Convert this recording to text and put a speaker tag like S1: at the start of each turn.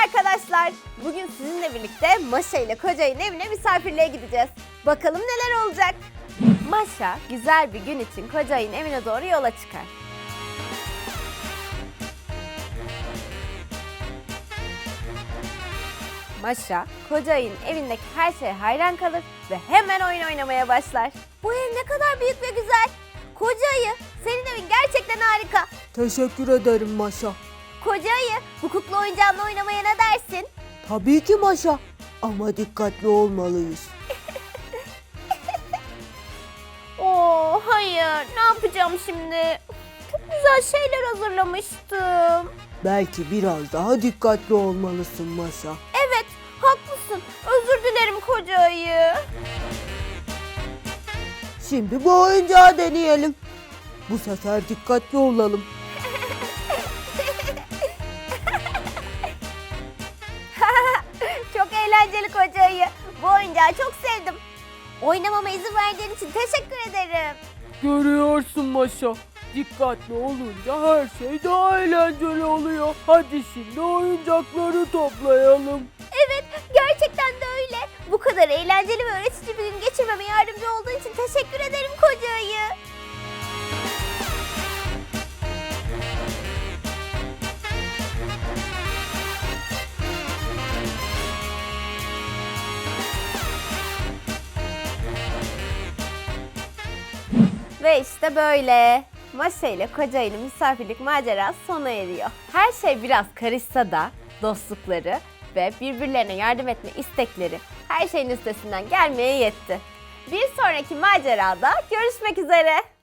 S1: arkadaşlar. Bugün sizinle birlikte Maşa ile Kocay'ın evine misafirliğe gideceğiz. Bakalım neler olacak. Maşa güzel bir gün için Kocay'ın evine doğru yola çıkar. Maşa, Kocay'ın evindeki her şeye hayran kalır ve hemen oyun oynamaya başlar. Bu ev ne kadar büyük ve güzel. Kocay'ı, senin evin gerçekten harika.
S2: Teşekkür ederim Maşa.
S1: Kocay'ı, bu kukla oyuncağınla oynamaya ne dersin?
S2: Tabii ki Maşa. Ama dikkatli olmalıyız.
S1: Oo, hayır. Ne yapacağım şimdi? Çok güzel şeyler hazırlamıştım.
S2: Belki biraz daha dikkatli olmalısın Maşa.
S1: Evet, haklısın. Özür dilerim Kocay'ı.
S2: Şimdi bu oyuncağı deneyelim. Bu sefer dikkatli olalım.
S1: Çok eğlenceli Kocay'ı. Bu oyuncağı çok sevdim. Oynamama izin verdiğin için teşekkür ederim.
S2: Görüyorsun Maşa. Dikkatli olunca her şey daha eğlenceli oluyor. Hadi şimdi oyuncakları toplayalım.
S1: Evet, gerçekten de öyle. Bu kadar eğlenceli ve öğretici bir gün geçirmeme yardımcı olduğun için teşekkür ederim Kocay'ı. Ve işte böyle. Maşa ile Kocay'ın misafirlik macerası sona eriyor. Her şey biraz karışsa da dostlukları ve birbirlerine yardım etme istekleri her şeyin üstesinden gelmeye yetti. Bir sonraki macerada görüşmek üzere.